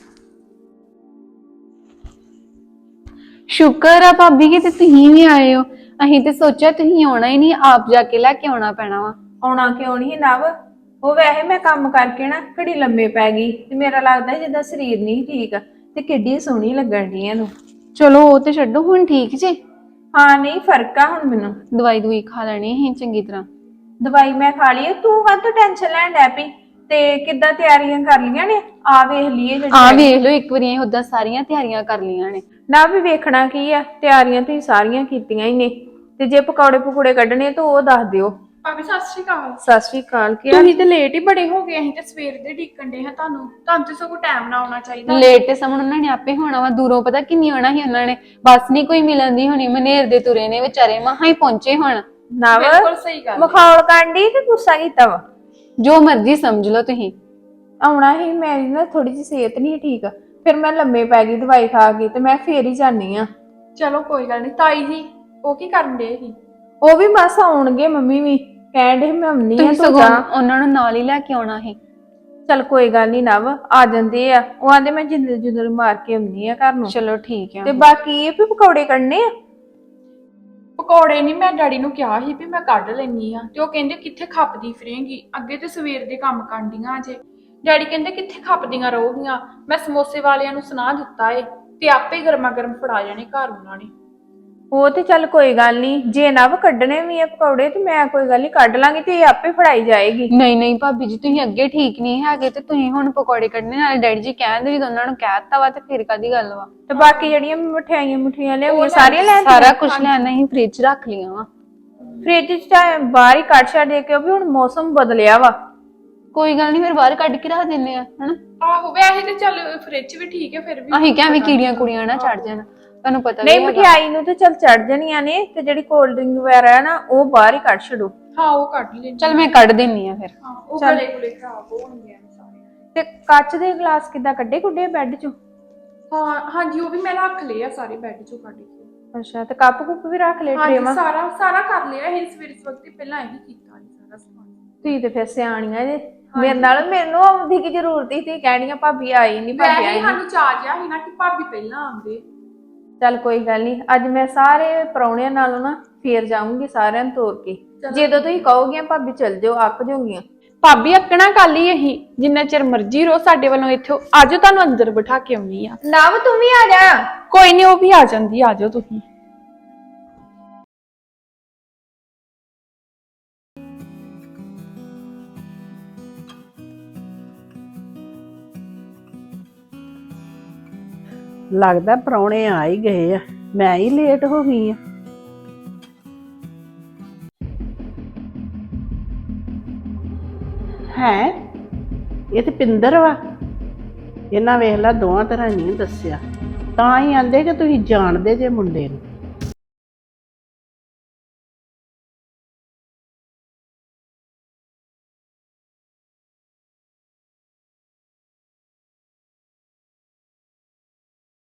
ਸ਼ੁਕਰ ਆ ਭਾਬੀ ਕਿ ਤੇ ਤੁਸੀਂ ਵੀ ਆਏ ਹੋ। ਅਸੀਂ ਤੇ ਸੋਚਿਆ ਤੁਸੀਂ ਆਉਣਾ ਹੀ ਨਹੀਂ, ਆਪ ਜਾ ਕੇ ਲੈ ਕੇ ਆਉਣਾ ਪੈਣਾ ਵਾ। ਆਉਣਾ ਕਿਉਂ ਨਹੀਂ ਨਵ? ਉਹ ਵੈਸੇ ਮੈਂ ਕੰਮ ਕਰਕੇ ਨਾ ਘੜੀ ਲੰਮੇ ਪੈ ਗਈ ਤੇ ਮੇਰਾ ਲੱਗਦਾ ਜਿੱਦਾਂ ਸਰੀਰ ਨਹੀਂ ਠੀਕ, ਤੇ ਕਿੱਡੀ ਸੋਹਣੀ ਲੱਗਣ ਡਈ ਇਹਨੂੰ। ਚਲੋ ਉਹ ਤੇ ਛੱਡੋ, ਹੁਣ ਠੀਕ ਜੇ? ਹਾਂ ਨਹੀਂ ਫਰਕ ਆ ਹੁਣ ਮੈਨੂੰ। ਦਵਾਈ ਦੂਈ ਖਾ ਲੈਣੀ ਅਸੀਂ ਚੰਗੀ ਤਰ੍ਹਾਂ। ਦਵਾਈ ਮੈਂ ਖਾ ਲਈ। ਤੂੰ ਕਾਹਤੋਂ ਟੈਨਸ਼ਨ ਲੈਣ ਡੈ ਪਈ? ਤੇ ਕਿੱਦਾਂ ਤਿਆਰੀਆਂ ਕਰ ਲੀਆਂ ਨੇ? ਆ ਵੇਖ ਲਈਏ ਆ ਵੇਖ ਲਓ ਇੱਕ ਵਾਰੀ, ਉਦਾਂ ਸਾਰੀਆਂ ਤਿਆਰੀਆਂ ਕਰ ਲਈਆਂ ਨੇ। ਨਾ ਵੀ ਵੇਖਣਾ ਕੀ ਆ, ਤਿਆਰੀਆਂ ਤੁਸੀਂ ਸਾਰੀਆਂ ਕੀਤੀਆਂ ਹੀ ਨੇ। ਤੇ ਜੇ ਪਕੌੜੇ ਪਕੌੜੇ ਕੱਢਣੇ ਤਾਂ ਉਹ ਦੱਸ ਦਿਓ। ਭਾਬੀ ਸਤਿ ਸ਼੍ਰੀ ਅਕਾਲ। ਸਤਿ ਸ਼੍ਰੀ ਅਕਾਲ। ਕੀ ਤੁਸੀਂ ਤੇ ਲੇਟ ਹੀ ਬੜੇ ਹੋ ਗਏ, ਅਸੀਂ ਤੇ ਸਵੇਰ ਦੇ ਢੀਕਣ ਦੇ ਹਾਂ ਤੁਹਾਨੂੰ ਤੇ ਸਗੋਂ ਟਾਈਮ ਨਾਲ ਆਉਣਾ ਚਾਹੀਦਾ। ਲੇਟ ਤੇ ਸਮਣ ਉਹਨਾਂ ਨੇ ਆਪੇ ਹੋਣਾ ਵਾ, ਦੂਰੋਂ ਪਤਾ ਕਿੰਨੀ ਆਉਣਾ ਸੀ ਉਹਨਾਂ ਨੇ, ਬੱਸ ਨਹੀਂ ਕੋਈ ਮਿਲਣ ਦੀ ਹੋਣੀ, ਮਨੇਰ ਦੇ ਤੁਰੇ ਨੇ ਵਿਚਾਰੇ, ਮਸਾਂ ਹੀ ਪਹੁੰਚੇ ਹੁਣ। ਬਿਲਕੁਲ ਸਹੀ ਗੱਲ। ਮਖੌਲ ਕਾਂਡੀ ਤੇ ਗੁੱਸਾ ਕੀਤਾ ਵਾ। ਜੋ ਮਰਜ਼ੀ ਸਮਝ ਲਓ ਤੁਸੀਂ। ਆਉਣਾ ਹੀ, ਮੇਰੀ ਨਾ ਥੋੜੀ ਜਿਹੀ ਸਿਹਤ ਨਹੀਂ ਠੀਕ, ਫਿਰ ਮੈਂ ਲੰਮੇ ਪੈ ਗਈ ਦਵਾਈ ਖਾ ਕੇ, ਤੇ ਮੈਂ ਫੇਰ ਹੀ ਜਾਨੀ ਆ। ਚਲੋ ਕੋਈ ਗੱਲ ਨਹੀਂ। ਤਾਈ ਜੀ ਉਹ ਕੀ ਕਰਨ ਦੇ ਸੀ? ਉਹ ਵੀ ਬਸ ਆਉਣਗੇ, ਮੰਮੀ ਵੀ ਕਹਿਣ ਦੇ ਮੈਂ ਆਉਣੀ ਆ ਤੁਸੀਂ ਤੂੰ ਸਗੋਂ ਜਾ। ਉਹਨਾਂ ਨੂੰ ਨਾਲ ਹੀ ਲੈ ਕੇ ਆਉਣਾ ਸੀ। ਚਲ ਕੋਈ ਗੱਲ ਨਹੀਂ ਨਵ, ਆ ਜਾਂਦੇ ਆ, ਉਹ ਆਂਦੇ ਮੈਂ ਜਿੰਦਲ ਜੁੰਦਲ ਮਾਰ ਕੇ ਆਉਣੀ ਆ ਘਰ ਨੂੰ। ਚਲੋ ਠੀਕ ਆ। ਤੇ ਬਾਕੀ ਇਹ ਵੀ ਪਕੌੜੇ ਕੱਢਨੇ ਆ। ਪਕੌੜੇ ਨਹੀਂ, ਮੈਂ ਡੈਡੀ ਨੂੰ ਕਿਹਾ ਸੀ ਵੀ ਮੈਂ ਕੱਢ ਲੈਣੀ ਆ, ਤੇ ਉਹ ਕਹਿੰਦੇ ਕਿੱਥੇ ਖੱਪਦੀ ਫਿਰੇਂਗੀ, ਅੱਗੇ ਤੇ ਸਵੇਰ ਦੇ ਕੰਮ ਕਾਂਡੀਆਂ ਅਜੇ। ਡੈਡੀ ਕਹਿੰਦੇ ਕਿੱਥੇ ਖੱਪਦੀਆਂ ਰਹੋਗੀਆਂ, ਮੈਂ ਸਮੋਸੇ ਵਾਲਿਆਂ ਨੂੰ ਸੁਣਾ ਦਿੱਤਾ ਏ ਤੇ ਆਪੇ ਗਰਮਾ ਗਰਮ ਫੜਾ ਜਾਣੇ ਘਰ ਉਹਨਾਂ ਨੇ। ਉਹ ਤੇ ਚੱਲ ਕੋਈ ਗੱਲ ਨਹੀਂ, ਜੇ ਨਵ ਕੱਢਣੇ ਵੀ ਆ ਪਕੌੜੇ ਤੇ ਮੈਂ ਕੋਈ ਗੱਲ ਨਹੀਂ ਕੱਢ ਲਾਂਗੀ, ਤੇ ਇਹ ਆਪੇ ਫੜਾਈ ਜਾਏਗੀ। ਨਹੀਂ ਨਹੀਂ ਭਾਬੀ ਜੀ, ਤੁਸੀਂ ਅੱਗੇ ਠੀਕ ਨਹੀਂ ਹੈਗੇ ਤੇ ਤੁਸੀਂ ਹੁਣ ਪਕੌੜੇ ਕੱਢਣੇ, ਨਾਲ ਡੈਡੀ ਜੀ ਕਹਿੰਦੇ ਜਦੋਂ ਉਹਨਾਂ ਨੂੰ ਕਹਿਤਾ ਵਾ ਤੇ ਫਿਰ ਕਾਦੀ ਗੱਲ ਵਾ। ਤੇ ਬਾਕੀ ਜਿਹੜੀਆਂ ਮਠਿਆਈਆਂ ਲਿਆਉਣੀਆਂ ਸਾਰੀਆਂ ਲੈਣ ਸਾਰਾ ਕੁਝ ਲੈਣਾ ਹੀ ਫ੍ਰਿਜ 'ਚ ਰੱਖ ਲਿਆ ਵਾ। ਫ੍ਰਿਜ ਚ ਤਾਂ ਬਾਹਰ ਹੀ ਕੱਢ ਛੱਡ ਦੇ, ਕਿਉਂਕਿ ਹੁਣ ਮੌਸਮ ਬਦਲਿਆ ਵਾ। ਕੋਈ ਗੱਲ ਨਹੀਂ, ਫਿਰ ਬਾਹਰ ਕੱਢ ਕੇ ਰੱਖ ਦਿੰਨੇ ਆ ਹਨਾ। ਆਹੋ ਵੈਸੇ ਤੇ ਚੱਲ ਫ੍ਰਿਜ ਵੀ ਠੀਕ ਹੈ, ਫਿਰ ਵੀ ਅਸੀਂ ਕਿਵੇਂ ਕੀੜੀਆਂ ਕੁੜੀਆਂ ਨਾ ਚੜ ਜਾਣ, ਤੁਹਾਨੂੰ ਪਤਾ ਨਹੀਂ ਵੀ ਹੈਗਾ। ਮਠਿਆਈ ਨੂੰ ਤੇ ਚੱਲ ਚੜ ਜਾਣੀਆਂ ਨੇ, ਤੇ ਜਿਹੜੀ ਕੋਲਡ ਡਰਿੰਕ ਵਗੈਰਾ ਹੈ ਨਾ ਉਹ ਬਾਹਰ ਹੀ ਕੱਢ ਛੱਡੋ। ਹਾਂ ਉਹ ਕੱਢ ਲੈਣੀ। ਚੱਲ ਮੈਂ ਕੱਢ ਦਿੰਨੀ ਆ ਫਿਰ। ਹਾਂ ਉਹ ਗਲੇ ਗੁਲੇ ਖਰਾਬ ਹੋਣਗੇ ਸਾਰੇ। ਤੇ ਕੱਚ ਦੇ ਗਲਾਸ ਕਿੱਦਾਂ ਕੱਢੇ ਕੁੱਡੇ ਬੈੱਡ ਚੋਂ? ਹਾਂ ਹਾਂਜੀ ਉਹ ਵੀ ਮੈਂ ਰੱਖ ਲਏ ਆ ਸਾਰੇ ਬੈੱਡ ਚੋਂ ਕੱਢ ਕੇ। ਅੱਛਾ, ਤੇ ਕੱਪ ਕੁੱਪ ਵੀ ਰੱਖ ਲਏ ਹਾਂਜੀ ਟਰੇਵਾਂ? ਸਾਰਾ ਕਰ ਲਿਆ ਇਹ ਸਵੇਰੇ ਵਕਤ ਪਹਿਲਾਂ ਇਹੀ ਕੀਤਾ ਸੀ ਸਾਰਾ ਸਮਾਨ। ਤੁਸੀਂ ਤੇ ਫਿਰ ਸਿਆਣੀਆਂ ਜੇ, ਮੈਨੂੰ ਆਉਂਦੀ ਕੀ ਜ਼ਰੂਰਤ ਸੀ, ਤੁਸੀਂ ਕਹਿਣੀਆਂ ਭਾਬੀ ਆਈ ਨਹੀਂ ਭਾਬੀ ਵੈਸੇ ਆਈ ਨੀ। ਸਾਨੂੰ ਚਾਹ ਜਿਹਾ ਸੀ ਨਾ ਕਿ ਭਾਬੀ ਪਹਿਲਾਂ ਆਉਂਦੇ। ਚੱਲ ਕੋਈ ਗੱਲ ਨਹੀਂ, ਅੱਜ ਮੈਂ ਸਾਰੇ ਪ੍ਰਾਹੁਣਿਆਂ ਨਾਲੋਂ ਨਾ ਫੇਰ ਜਾਊਂਗੀ ਸਾਰਿਆਂ ਨੂੰ ਤੋਰ ਕੇ। ਜਦੋਂ ਤੁਸੀਂ ਕਹੋਗੀਆਂ ਭਾਬੀ ਚੱਲ ਜਾਓ, ਅੱਕ ਜਾਓਗੀਆਂ। ਭਾਬੀ ਅੱਕਣਾ ਕੱਲ ਹੀ ਅਸੀਂ ਜਿੰਨਾ ਚਿਰ ਮਰਜ਼ੀ ਰਹੋ ਸਾਡੇ ਵੱਲੋਂ ਇੱਥੇ ਅੱਜ ਤੁਹਾਨੂੰ ਅੰਦਰ ਬਿਠਾ ਕੇ ਆਉਣੀ ਆ। ਨਵ ਤੂੰ ਵੀ ਆ ਜਾ। ਕੋਈ ਨਹੀਂ ਉਹ ਵੀ ਆ ਜਾਂਦੀ, ਆ ਜਾਓ ਤੁਸੀਂ। ਲੱਗਦਾ ਪ੍ਰਾਹੁਣੇ ਆ ਹੀ ਗਏ ਆ, ਮੈਂ ਹੀ ਲੇਟ ਹੋ ਗਈ ਆ। ਹੈ ਇਹ ਤੇ ਪਿੰਦਰ ਵਾ। ਇਹਨਾਂ ਵੇਖ ਲਾ ਦੋਵਾਂ ਤਰ੍ਹਾਂ ਨਹੀਂ ਦੱਸਿਆ, ਤਾਂ ਹੀ ਆਂਦੇ ਕਿ ਤੁਸੀਂ ਜਾਣਦੇ ਜੇ ਮੁੰਡੇ ਨੂੰ।